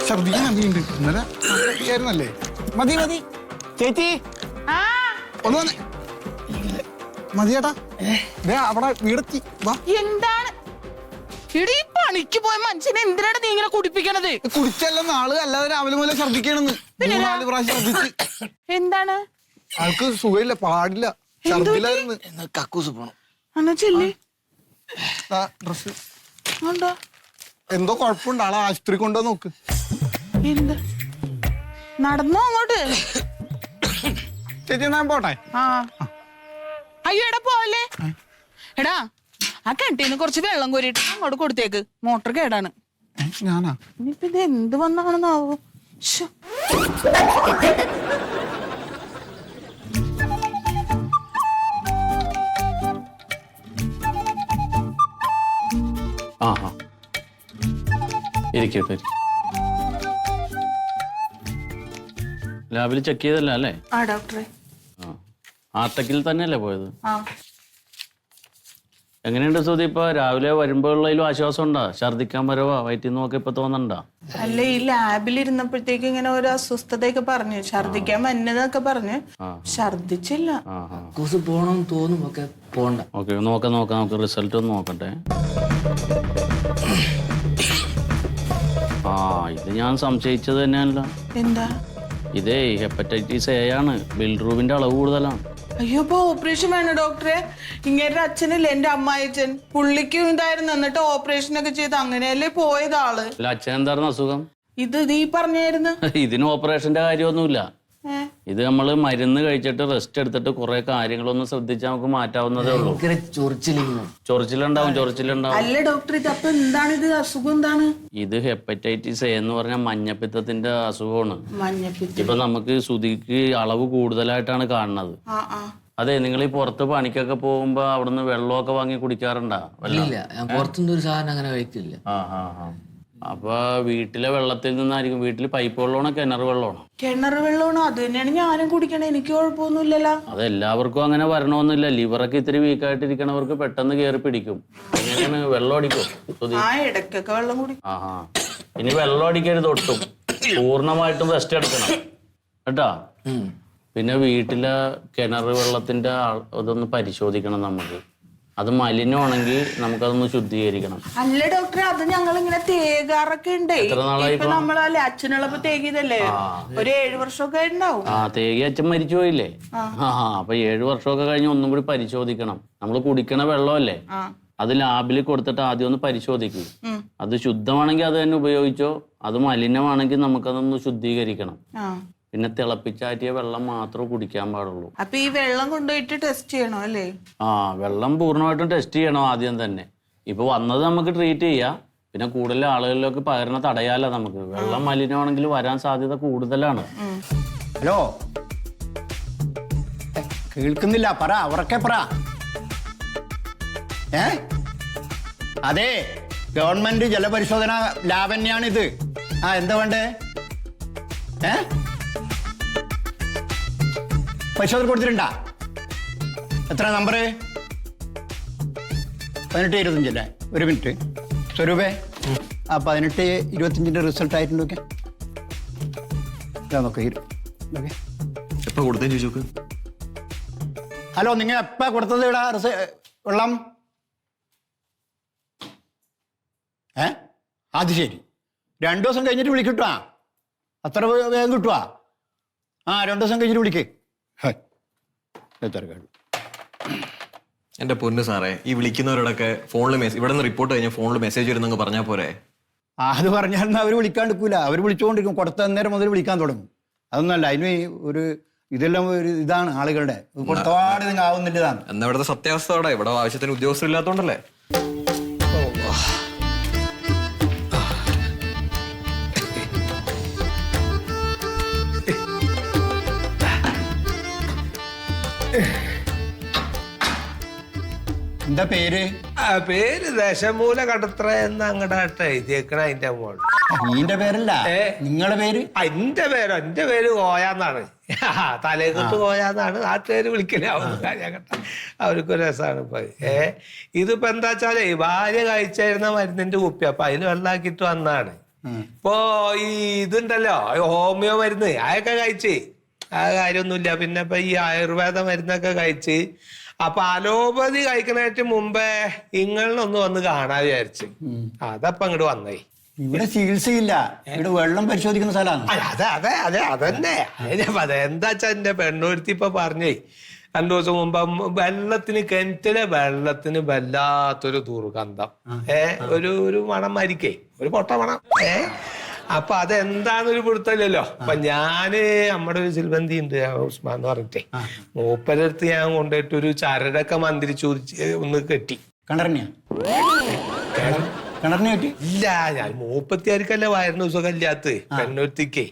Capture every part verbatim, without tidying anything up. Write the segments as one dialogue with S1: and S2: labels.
S1: ഛർദിക്കാൻ അമ്മയുണ്ട്. ഇന്നലെ ഛർദിക്കായിരുന്നല്ലേ? മതി മതി ചേച്ചി ഒന്ന് വന്നേ. മതി ചേട്ടാ, അവിടെ വീടെത്തി.
S2: എന്താണ് ഇടീ പണിക്ക് പോയ മനുഷ്യനെ എന്തിനാണ് നീ ഇങ്ങനെ കുടിപ്പിക്കണത്?
S1: കുടിച്ചല്ല നാള്, അല്ലാതെ രാവിലെ മുതലേ ഛർദിക്കണെന്ന്. നാല് പ്രാവശ്യം ഛർദിച്ച്.
S2: എന്താണ്
S1: ആൾക്ക് സുഖമില്ല, പാടില്ല, ഛർദിലായിരുന്നു.
S3: കക്കൂസ് പോണം.
S1: ഡ്രസ് എന്തോ കുഴപ്പമുണ്ട്, ആളെ ആശുപത്രി കൊണ്ടോ നോക്ക്.
S2: എന്ത് നടന്നോ അങ്ങോട്ട്?
S1: ചേച്ചി ഞാൻ പോട്ടെ.
S2: ആ അയ്യോ എടാ പോലെ എടാ, ആ കിണറ്റീന്ന് കുറച്ച് വെള്ളം കോരിയിട്ട് അങ്ങോട്ട് കൊടുത്തേക്ക്. മോട്ടർ കേടാണ്.
S1: ഞാനാ?
S2: ഇനിയിപ്പ ഇത് എന്ത് വന്നാണെന്നാവോ?
S4: ആ ഇരിക്കട്ടെ. ലാബിൽ ചെക്ക് ചെയ്തല്ല അല്ലേ?
S2: ആ ഡോക്ടറെ.
S4: ആ ആർട്ടക്കിൽ തന്നെയല്ലേ പോയത്?
S2: ആ
S4: എങ്ങനെയുണ്ട് സുധി? ഇപ്പൊ രാവിലെ വരുമ്പോഴുള്ളതിലും ആശ്വാസം ഉണ്ടാ? ഛർദിക്കാൻ വരവാ വയറ്റിൽ നോക്കി ഇപ്പൊ തോന്നണ്ടാ?
S2: അല്ല, ഈ ലാബിൽ ഇരുന്നപ്പോഴത്തേക്ക് ഇങ്ങനെ ഒരു അസ്വസ്ഥതയൊക്കെ പറഞ്ഞു, ഛർദിക്കാൻ വന്നതൊക്കെ പറഞ്ഞു. ഛർദിച്ചില്ല.
S3: കക്കൂസ് പോണം തോന്നും, ഒക്കെ പോണ്ട.
S4: ഓക്കെ, നോക്കാം നോക്കാം നമുക്ക് റിസൾട്ട് ഒന്ന് നോക്കട്ടെ. ആ ഇത് ഞാൻ സംശയിച്ചത് തന്നെയല്ല.
S2: എന്താ?
S4: ഇതേ ഹെപ്പറ്റൈറ്റിസ് എ ആണ്. ബിൽറൂബിന്റെ അളവ് കൂടുതലാണ്.
S2: അയ്യോ, ഇപ്പൊ ഓപ്പറേഷൻ വേണം ഡോക്ടറെ. ഇങ്ങനെ അച്ഛനല്ലേ, എന്റെ അമ്മായിച്ചൻ, പുള്ളിക്കും ഇതായിരുന്നു. എന്നിട്ട് ഓപ്പറേഷൻ ഒക്കെ ചെയ്ത് അങ്ങനെയല്ലേ പോയത് ആള്.
S4: അല്ല, അച്ഛൻ എന്തായിരുന്നു അസുഖം?
S2: ഇത് നീ പറഞ്ഞായിരുന്നു.
S4: ഇതിന് ഓപ്പറേഷന്റെ കാര്യമൊന്നുമില്ല. ഇത് നമ്മള് മരുന്ന് കഴിച്ചിട്ട് റെസ്റ്റ് എടുത്തിട്ട് കുറെ കാര്യങ്ങളൊന്നും ശ്രദ്ധിച്ചാൽ നമുക്ക് മാറ്റാവുന്നതേ ഉള്ളൂ. ചൊറിച്ചിലുണ്ടാവും ചൊറിച്ചിലുണ്ടാവും.
S2: അല്ല ഡോക്ടർ, ഇത് അപ്പൊ എന്താണ് ഇത് അസുഖം? എന്താണ്
S4: ഇത്? ഹെപ്പറ്റൈറ്റിസ് എ എന്ന് പറഞ്ഞാൽ മഞ്ഞപ്പിത്തത്തിന്റെ അസുഖമാണ്.
S2: മഞ്ഞപ്പിത്തം.
S4: ഇപ്പൊ നമുക്ക് സുധിക്ക് അളവ് കൂടുതലായിട്ടാണ് കാണുന്നത്. അതെ, നിങ്ങൾ ഈ പുറത്ത് പണിക്കൊക്കെ പോകുമ്പോ അവിടുന്ന് വെള്ളമൊക്കെ വാങ്ങി കുടിക്കാറുണ്ടാ?
S3: പുറത്തുനിന്ന് ഒരു സാധനം അങ്ങനെ കഴിക്കില്ല.
S4: ആ ആ ആ അപ്പൊ വീട്ടിലെ വെള്ളത്തിൽ നിന്നായിരിക്കും. വീട്ടിൽ പൈപ്പ് വെള്ളമാണോ കിണർ വെള്ളമാണോ?
S2: കിണർ വെള്ളമാണോ? അത് തന്നെയാണ് ഞാനും കുടിക്കണേ. എനിക്ക് കുഴപ്പമൊന്നുമില്ലല്ലോ.
S4: അത് എല്ലാവർക്കും അങ്ങനെ വരണമെന്നില്ല. ലിവറൊക്കെ ഇത്തിരി വീക്കായിട്ടിരിക്കണവർക്ക് പെട്ടെന്ന് കയറി പിടിക്കും. അങ്ങനെയാണ്. വെള്ളം അടിക്കും.
S2: ആ ഇടയ്ക്കൊക്കെ വെള്ളം കുടി.
S4: ആ ആ ഇനി വെള്ളം അടിക്കരുത് ഒട്ടും. പൂർണ്ണമായിട്ടും റെസ്റ്റ് എടുക്കണം കേട്ടാ. പിന്നെ വീട്ടിലെ കിണർ വെള്ളത്തിന്റെ അതൊന്ന് പരിശോധിക്കണം നമുക്ക്. അത് മലിനമാണെങ്കിൽ നമുക്കതൊന്ന് ശുദ്ധീകരിക്കണം.
S2: അല്ല ഡോക്ടറെ, അത് ഞങ്ങൾ ഇങ്ങനെ തേകാറൊക്കെ ഉണ്ട്. ഇപ്പൊ നമ്മളല്ലേ അച്ഛനുള്ളപ്പോ തേകിയതല്ലേ? ഒരു ഏഴു വർഷമൊക്കെ ഉണ്ടാവും.
S4: ആ തേകി അച്ഛൻ മരിച്ചു പോയില്ലേ? ആ അപ്പൊ ഏഴു വർഷമൊക്കെ കഴിഞ്ഞ് ഒന്നും കൂടി പരിശോധിക്കണം. നമ്മൾ കുടിക്കണ വെള്ളമല്ലേ, അത് ലാബിൽ കൊടുത്തിട്ട് ആദ്യം ഒന്ന് പരിശോധിക്കും. അത് ശുദ്ധമാണെങ്കിൽ അത് തന്നെ ഉപയോഗിച്ചോ. അത് മലിനമാണെങ്കിൽ നമുക്കതൊന്ന് ശുദ്ധീകരിക്കണം. പിന്നെ തിളപ്പിച്ചാറ്റിയ വെള്ളം മാത്രമേ കുടിക്കാൻ പാടുള്ളൂ.
S2: അപ്പൊ ഈ വെള്ളം കൊണ്ടുപോയിട്ട് ടെസ്റ്റ് ചെയ്യണോ അല്ലേ?
S4: ആ വെള്ളം പൂർണ്ണമായിട്ടും ടെസ്റ്റ് ചെയ്യണം ആദ്യം തന്നെ. ഇപ്പൊ വന്നത് നമുക്ക് ട്രീറ്റ് ചെയ്യാം. പിന്നെ കൂടുതൽ ആളുകളിലേക്ക് പകരണ തടയാലോ നമുക്ക്. വെള്ളം മലിനമാണെങ്കിൽ വരാൻ സാധ്യത കൂടുതലാണ്.
S1: ഹലോ, കേൾക്കുന്നില്ല, പറ, ഉറക്കെ പറ. ഏ അതെ, ഗവൺമെന്റ് ജലപരിശോധന ലാബ് തന്നെയാണിത്. ആ എന്താ വേണ്ടേ? ഏ പരിശോധന കൊടുത്തിട്ടുണ്ടാ? എത്ര നമ്പർ? പതിനെട്ട് ഇരുപത്തഞ്ചല്ലേ? ഒരു മിനിറ്റ് സ്വരൂപേ, ആ പതിനെട്ട് ഇരുപത്തഞ്ചിന്റെ റിസൾട്ട് ആയിട്ടുണ്ട്. ഓക്കെ, നോക്കെ
S5: എപ്പ കൊടുത്തേ ചോദിച്ചോക്ക്.
S1: ഹലോ, നിങ്ങൾ എപ്പാ കൊടുത്തത് ഇവിടെ വെള്ളം? ഏ അത് ശരി, രണ്ടു ദിവസം കഴിഞ്ഞിട്ട് വിളിക്കിട്ടാ. അത്ര വേഗം കിട്ടുവാ? ആ രണ്ടു ദിവസം കഴിഞ്ഞിട്ട് വിളിക്കേ.
S5: എന്റെ പൊന്ന് സാറേ, ഈ വിളിക്കുന്നവരോടൊക്കെ ഫോണിൽ മെസ്സേജ്, ഇവിടെ നിന്ന് റിപ്പോർട്ട് കഴിഞ്ഞാൽ ഫോണിൽ മെസ്സേജ് വരുന്നെങ്കിൽ പറഞ്ഞാൽ പോരെ?
S1: അത് പറഞ്ഞാൽ അവർ വിളിക്കാണ്ടിരിക്കൂല. അവർ വിളിച്ചുകൊണ്ടിരിക്കും. കൊടുത്ത നേരം മുതൽ വിളിക്കാൻ തുടങ്ങും. അതൊന്നല്ല, അതിന് ഒരു ഇതെല്ലാം ഒരു ഇതാണ് ആളുകളുടെ കൊടുത്തപാട് നിങ്ങൾ ആവുന്നില്ലതാണ്.
S5: എന്നാ ഇവിടുത്തെ സത്യാവസ്ഥ അവിടെ ഇവിടെ ആവശ്യത്തിന് ഉദ്യോഗസ്ഥർ ഇല്ലാത്തോണ്ടല്ലേ?
S1: എന്താ പേര്?
S6: പേര് ദശമൂല കടത്ര എന്ന് അങ്ങോട്ട് എഴുതിയേക്കണ. അതിന്റെ മോൾ
S1: നിന്റെ പേരല്ല, നിങ്ങളുടെ പേര്?
S6: എന്റെ പേരോ? എന്റെ പേര് കോയാന്നാണ്. തലേക്കുത്ത് കോയാന്നാണ് നാട്ടുകാര് വിളിക്കണേ. അവർക്കൊരു രസമാണ് ഇപ്പൊ. ഏ ഇതിപ്പോ എന്താ വെച്ചാലേ ഭാര്യ കഴിച്ചായിരുന്ന മരുന്നിന്റെ കുപ്പി, അപ്പൊ അതിൽ വെള്ളാക്കിട്ട് വന്നാണ്. ഇപ്പോ ഈ ഇതുണ്ടല്ലോ ഹോമിയോ മരുന്ന് അതൊക്കെ കഴിച്ച് ആ കാര്യമൊന്നുമില്ല. പിന്നെ ഇപ്പൊ ഈ ആയുർവേദ മരുന്നൊക്കെ കഴിച്ച് അപ്പൊ അലോപ്പതി കഴിക്കണേറ്റ് മുമ്പേ ഇങ്ങളിലൊന്ന് വന്ന് കാണാൻ വിചാരിച്ച് അതപ്പൊ അങ്ങോട്ട് വന്നേ.
S1: ഇവിടെ ചികിത്സയില്ല, ഇവിടെ വെള്ളം പരിശോധിക്കുന്ന സ്ഥലമാണ്.
S6: അതെ അതെ അതെ അതന്നെ അതെ. എന്താ വെച്ചാ എന്റെ പെണ്ണൂരുത്തി ഇപ്പൊ പറഞ്ഞേ രണ്ടു ദിവസം മുമ്പ് വെള്ളത്തിന് കിണറ്റിലെ വെള്ളത്തിന് വല്ലാത്തൊരു ദുർഗന്ധം, ഏ ഒരു ഒരു മണം മരിക്കേ, ഒരു പൊട്ട മണം. ഏ അപ്പൊ അതെന്താന്നൊരു പിടുത്തല്ലോ. അപ്പൊ ഞാന് നമ്മുടെ ഒരു സിൽബന്തി ഉണ്ട് ഉസ്മാൻ എന്ന് പറഞ്ഞിട്ടേ, മൂപ്പരടുത്ത് ഞാൻ കൊണ്ടുപോയിട്ട് ഒരു ചരടൊക്കെ മന്ത്രിച്ചു ഒന്ന് കെട്ടി.
S1: കിണറിനെയാ കിണറിനെ കെട്ടി?
S6: ഇല്ല, ഞാൻ മൂപ്പത്തിയാർക്കല്ലേ വയറിന് സുഖമില്ലാത്ത പെണ്ണൊരുത്തിക്കേ.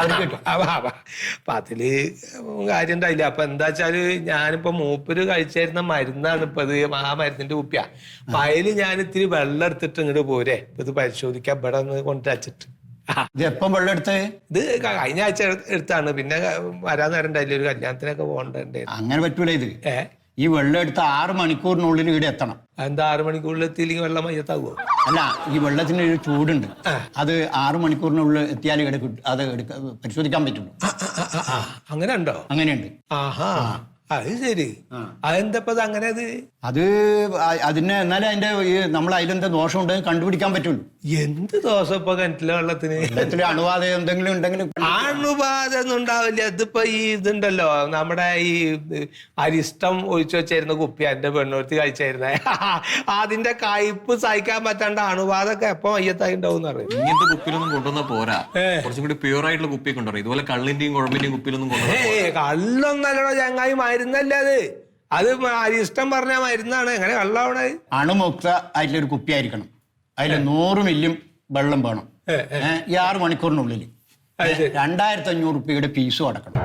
S6: അപ്പൊ അതില് കാര്യം ഉണ്ടായില്ല. അപ്പൊ എന്താ വെച്ചാല് ഞാനിപ്പോ മൂപ്പര് കഴിച്ചായിരുന്ന മരുന്നാണ് ഇപ്പൊ ഇത്, ആ മരുന്നിന്റെ കുപ്പിയാ. അപ്പൊ അതില് ഞാൻ ഇത്തിരി വെള്ളം എടുത്തിട്ട് ഇങ്ങോട്ട് പോരെ ഇപ്പൊ ഇത് പരിശോധിക്കാൻ ഇവിടെ ഒന്ന് കൊണ്ടുവച്ചിട്ട്.
S1: ഇത് എപ്പം വെള്ളം എടുത്തേ?
S6: ഇത് കഴിഞ്ഞ ആഴ്ച എടുത്താണ്. പിന്നെ വരാൻ നേരം ഉണ്ടായില്ല, ഒരു കല്യാണത്തിനൊക്കെ പോകണ്ടേ.
S1: അങ്ങനെ പറ്റൂല. ഇത്
S6: ഏ
S1: ഈ വെള്ളം എടുത്ത് ആറ് മണിക്കൂറിനുള്ളിൽ ഇവിടെ എത്തണം.
S6: എന്താ ആറ് മണിക്കൂറിൽ എത്തിയില്ലെങ്കിൽ വെള്ളം മയ്യത്താകുമോ?
S1: അല്ല, ഈ വെള്ളത്തിന് ഒരു ചൂടുണ്ട്, അത് ആറ് മണിക്കൂറിനുള്ളിൽ എത്തിയാൽ ഇവിടെ കിട്ടും, അത് എടുക്ക പരിശോധിക്കാൻ പറ്റുള്ളൂ.
S6: അങ്ങനെ ഉണ്ടോ?
S1: അങ്ങനെയുണ്ട്.
S6: ആഹാ, അത് ശരി. അതെന്തപ്പോ അങ്ങനെ? അത്
S1: അത് അതിന് എന്നാലും അതിന്റെ ഈ നമ്മൾ അതിലെന്താ ദോഷം ഉണ്ടെന്ന് കണ്ടുപിടിക്കാൻ പറ്റുള്ളൂ.
S6: എന്ത് ദോഷം ഇപ്പൊ കിണറ്റിലെ വെള്ളത്തിന്?
S1: വെള്ളത്തില് അണുബാധ എന്തെങ്കിലും ഉണ്ടെങ്കിൽ
S6: അണുബാധ ഒന്നും ഉണ്ടാവില്ല. ഇതിപ്പോ ഈ ഇതുണ്ടല്ലോ നമ്മുടെ ഈ അരിഷ്ടം ഒഴിച്ചു വെച്ചായിരുന്ന കുപ്പി എന്റെ പെണ്ണൂർത്തി കഴിച്ചായിരുന്നേ, അതിന്റെ കയ്പ് സഹിക്കാൻ പറ്റാണ്ട് അണുബാധൊക്കെ എപ്പോ മയ്യത്തായി ഉണ്ടാവും എന്ന് പറയും.
S5: ഇങ്ങനത്തെ കുപ്പിയിലൊന്നും കൊണ്ടുവന്നാ പോരാ, കുറച്ചും കൂടി പ്യൂർ ആയിട്ടുള്ള കുപ്പി കൊണ്ടുവരും. ഇതുപോലെ കള്ളിന്റെയും കുഴമ്പിന്റെയും കുപ്പിയിലൊന്നും കൊണ്ടുവരാ.
S6: ഏ കള്ളൊന്നല്ലോ ചങ്ങായി, മരുന്നല്ലേ അത്. അത് അരിഷ്ടം പറഞ്ഞ മരുന്നാണ്. എങ്ങനെ കള്ളാവണ?
S1: അണുമുക്ത ആയിട്ടുള്ള ഒരു കുപ്പി ആയിരിക്കണം. അതിൽ നൂറ് മില്യം വെള്ളം വേണം. ഈ ആറ് മണിക്കൂറിനുള്ളിൽ രണ്ടായിരത്തി അഞ്ഞൂറ് റുപ്യയുടെ ഫീസും അടക്കണം.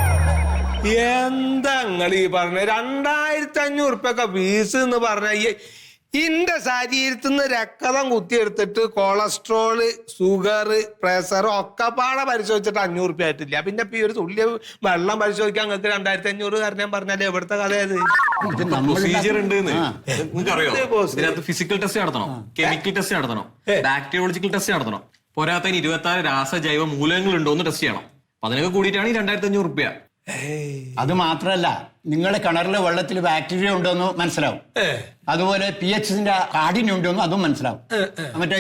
S6: എന്താ നിങ്ങൾ ഈ പറഞ്ഞ രണ്ടായിരത്തി അഞ്ഞൂറ് റുപ്യൊക്കെ ഫീസ് എന്ന് പറഞ്ഞ? ഇന്റെ ശരീരത്തിൽ നിന്ന് രക്തം കുത്തിയെടുത്തിട്ട് കൊളസ്ട്രോള്, ഷുഗർ, പ്രഷർ ഒക്കെ പാടെ പരിശോധിച്ചിട്ട് അഞ്ഞൂറ് റുപ്യ ആയിട്ടില്ല. പിന്നെ ഇപ്പൊ ഈ ഒരു തുള്ളിയ വെള്ളം പരിശോധിക്കാൻ നിങ്ങൾക്ക് രണ്ടായിരത്തി അഞ്ഞൂറ് കാരണം പറഞ്ഞാലേ എവിടുത്തെ കഥയത്?
S5: പ്രൊസീജിയർ ഉണ്ട്. നിങ്ങൾക്കറിയോ ഇതിനകത്ത് ഫിസിക്കൽ ടെസ്റ്റ് നടത്തണം, കെമിക്കൽ ടെസ്റ്റ് നടത്തണം, ബാക്ടീരിയോളജിക്കൽ ടെസ്റ്റ് നടത്തണം. പോരാത്തതിന് ഇരുപത്തി ആറ് രാസജൈവ മൂലകങ്ങൾ ഉണ്ടോ എന്ന് ടെസ്റ്റ് ചെയ്യണം. അപ്പൊ അതിനൊക്കെ കൂടിയിട്ടാണ് ഈ രണ്ടായിരത്തി അഞ്ഞൂറ് റുപ്യ.
S1: അത് മാത്രല്ല, നിങ്ങളുടെ കിണറിലെ വെള്ളത്തിൽ ബാക്ടീരിയ ഉണ്ടോന്ന് മനസ്സിലാവും. അതുപോലെ പി എച്ചിന്റെ കാഠിന്യം ഉണ്ടോന്നും അതും മനസ്സിലാവും. മറ്റേ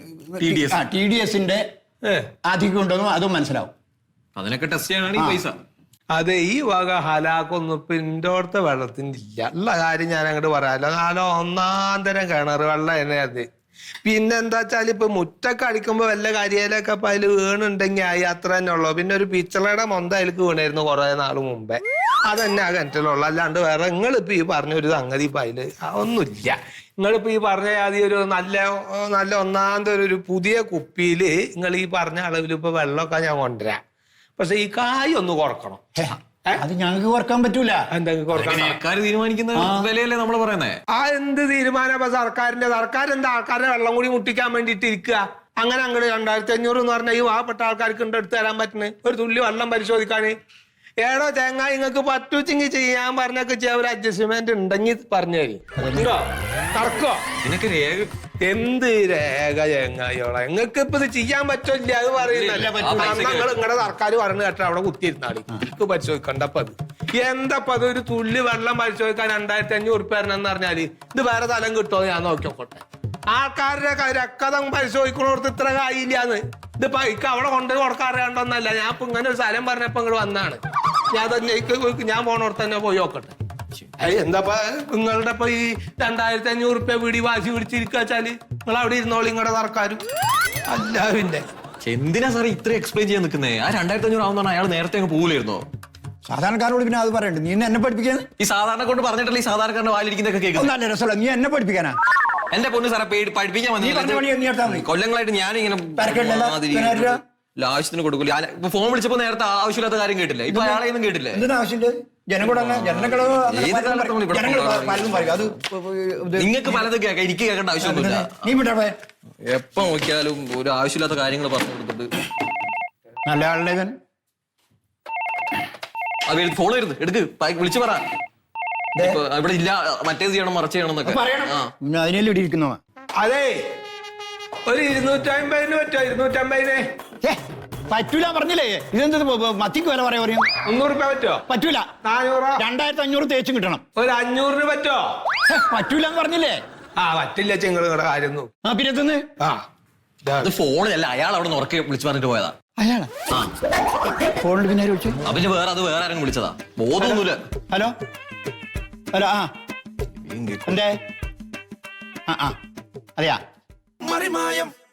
S1: ടി ഡി എസിന്റെ അധികം ഉണ്ടോന്നും അതും മനസ്സിലാവും.
S5: അതിനൊക്കെ ടെസ്റ്റ് ചെയ്യാനാണ് ഈ പൈസ.
S6: അതെ, ഈ വക ഹലാക്കൊന്നും ഇപ്പൊ ഇൻഡോർത്തെ വെള്ളത്തിന്റെ ഇല്ല. ഉള്ള കാര്യം ഞാൻ അങ്ങോട്ട് പറയാമല്ലോ. നാലോ ഒന്നാം തരം കിണർ വെള്ളം തന്നെ അത്. പിന്നെന്താ വെച്ചാൽ ഇപ്പൊ മുറ്റൊക്കെ അടിക്കുമ്പോ വല്ല കരിയിലൊക്കെ അപ്പൊ അതിൽ വീണുണ്ടെങ്കിൽ ആയി, അത്ര തന്നെ ഉള്ളു. പിന്നെ ഒരു പിച്ചളയുടെ മൊന്ത അതിലേക്ക് വീണായിരുന്നു കുറെ നാൾ മുമ്പേ, അതന്നെ ആ കിണറ്റിലുള്ളു. അല്ലാണ്ട് വേറെ നിങ്ങളിപ്പോ ഈ പറഞ്ഞ ഒരു സംഗതി ഇപ്പൊ അതില് ഒന്നുമില്ല. നിങ്ങളിപ്പോ ഈ പറഞ്ഞ ആദ്യം ഒരു നല്ല നല്ല ഒന്നാമത്തെ ഒരു പുതിയ കുപ്പിയില് നിങ്ങൾ ഈ പറഞ്ഞ അളവിൽ ഇപ്പൊ വെള്ളമൊക്കെ ഞാൻ കൊണ്ടുവരാം. പക്ഷെ ഈ കായ് ഒന്ന് കുറക്കണം.
S1: അത് ഞങ്ങൾക്ക് കുറക്കാൻ പറ്റൂല.
S5: സർക്കാർ തീരുമാനിക്കുന്ന വിലയല്ലേ നമ്മൾ പറയുന്നത്.
S6: ആ എന്ത് തീരുമാനം ഇപ്പൊ സർക്കാരിന്റെ? സർക്കാർ എന്താ ആൾക്കാരുടെ വെള്ളം കൂടി മുട്ടിക്കാൻ വേണ്ടിട്ട് ഇരിക്കുക? അങ്ങനെ അങ്ങോട്ട് രണ്ടായിരത്തി അഞ്ഞൂറ് എന്ന് പറഞ്ഞാൽ ഈ പാവപ്പെട്ട ആൾക്കാർക്ക് ഉണ്ട് എടുത്ത് തരാൻ പറ്റുന്നത് ഒരു തുള്ളി വെള്ളം പരിശോധിക്കാന്. ഏടോ തേങ്ങ നിങ്ങൾക്ക് പറ്റുവെച്ചെങ്കിൽ ചെയ്യാൻ പറഞ്ഞൊക്കെ ചെയ്യാൻ ഒരു അഡ്ജസ്റ്റ്മെന്റ് ഉണ്ടെങ്കിൽ പറഞ്ഞു തരും. ഉണ്ടോ? നടക്കോ?
S5: ഇതിനൊക്കെ രേഖ
S6: എന്ത് രേഖ ചെങ്ങായിയോളെ? നിങ്ങൾക്ക് ഇപ്പൊ ഇത് ചെയ്യാൻ പറ്റില്ല അത് പറയുന്നല്ലേ. നിങ്ങൾ നിങ്ങളുടെ സർക്കാർ പറഞ്ഞു കേട്ടോ അവിടെ കുത്തിയിരുന്നാളി എനിക്ക് പരിശോധിക്കണ്ടപ്പ അത് എന്തപ്പ അത്? ഒരു തുള്ളി വെള്ളം പരിശോധിക്കാൻ രണ്ടായിരത്തി അഞ്ഞൂറ് ഉറുപ്പ തരണമെന്ന് പറഞ്ഞാല് ഇത് വേറെ സ്ഥലം കിട്ടുമോ? ഞാൻ നോക്കി നോക്കട്ടെ. ആൾക്കാരുടെ രക്തം പരിശോധിക്കണോടത്ത് ഇത്ര കായില്ലാന്ന്. ഇത് പൈക്ക് അവിടെ കൊണ്ടുപോയി കൊടുക്കാൻ അറിയാണ്ടോന്നല്ല. ഞാൻ ഇപ്പൊ ഇങ്ങനെ ഒരു സ്ഥലം പറഞ്ഞപ്പോ ഇങ്ങോട്ട് വന്നാണ്. ഞാൻ തന്നെ ഞാൻ പോണോടത്ത് തന്നെ പോയി നോക്കട്ടെ. എന്താ നിങ്ങളുടെ ഇപ്പൊ ഈ രണ്ടായിരത്തി അഞ്ഞൂറ് റുപ്യ വീടി വാശി പിടിച്ചിരിക്കുക വെച്ചാല് നിങ്ങൾ അവിടെ ഇരുന്നോളി നിങ്ങളുടെ സർക്കാരും. അല്ല പിന്നെ
S5: എന്തിനാ സാറേ ഇത്ര എക്സ്പ്ലെയിൻ ചെയ്യാൻ നിൽക്കുന്നേ? ആ രണ്ടായിരത്തി അഞ്ഞൂറ് ആവുന്ന അയാൾ നേരത്തെ അങ്ങ് പോകില്ലായിരുന്നോ?
S1: സാധാരണക്കാരോട് പിന്നെ അത് പറയണ്ട. നീ എന്നെ പഠിപ്പിക്കാൻ
S5: ഈ സാധാരണ കൊണ്ട് പറഞ്ഞിട്ടല്ലേ ഈ സാധാരണക്കാരുടെ വായിലിരിക്കുന്നൊക്കെ കേൾക്കുന്നത്.
S1: നല്ല രസമുള്ള നീ എന്നെ പഠിപ്പിക്കാനാ?
S5: എന്റെ പൊന്ന് സാറെ പഠിപ്പിക്കാൻ വന്നത് കൊല്ലങ്ങളായിട്ട് ഞാനിങ്ങനെ ആവശ്യത്തിന് കൊടുക്കില്ല. ഇപ്പൊ ഫോൺ വിളിച്ചപ്പോ നേരത്തെ ആവശ്യമില്ലാത്ത കാര്യം കേട്ടില്ല. ഇപ്പൊ അയാളെ ഒന്നും കേട്ടില്ലേ? നിങ്ങൾക്ക് പലതും കേൾക്കാം, എനിക്ക് കേൾക്കേണ്ട ആവശ്യമൊന്നുമില്ല. എപ്പോ നോക്കിയാലും ഒരു ആവശ്യമില്ലാത്ത കാര്യങ്ങൾ പറഞ്ഞു കൊടുത്തിട്ട്.
S1: നല്ല ആളുടെ
S5: അത് ഫോൺ വരുന്നു, എടുക്ക്, വിളിച്ചു പറ. ഇവിടെ ഇല്ല, മറ്റേത് ചെയ്യണം, മറച്ച് ചെയ്യണം എന്നൊക്കെ.
S1: അതിനെല്ലാം ഇടിയിരിക്കുന്നോ?
S6: അതെ ഒരു ഇരുന്നൂറ്റമ്പതിന് പറ്റോ ഇരുന്നൂറ്റമ്പതിന്
S1: ഏ പറ്റൂല പറഞ്ഞില്ലേ ഇതെന്ത് മത്തിക്ക് വില പറയാ പറയും
S6: മുന്നൂറ് രൂപ പറ്റോ
S1: പറ്റൂല
S6: നാനൂറോ
S1: രണ്ടായിരത്തി അഞ്ഞൂറ് തേച്ചും കിട്ടണം
S6: ഒരു അഞ്ഞൂറിന് പറ്റോ
S1: ഹെ, പറ്റൂല എന്ന് പറഞ്ഞില്ലേ
S6: ആ പറ്റില്ല ചെങ്ങള് നിങ്ങളുടെ കാര്യം
S1: ആ പിന്നെ എത്തുന്ന്
S6: ആ
S5: അത് ഫോണിലല്ല അയാൾ അവിടെ നിന്ന് ഉറക്കെ വിളിച്ചു പറഞ്ഞിട്ട് പോയതാ
S1: അയാളാ ഫോണിൽ പിന്നെ ആര് വിളിച്ചു
S5: ആ, പിന്നെ വേറെ അത് വേറെ ആരെങ്കിലും വിളിച്ചതാ ബോധമൊന്നുമില്ല.
S1: ഹലോ ഹലോ ആ എന്തേ ആ ആ അതെയാ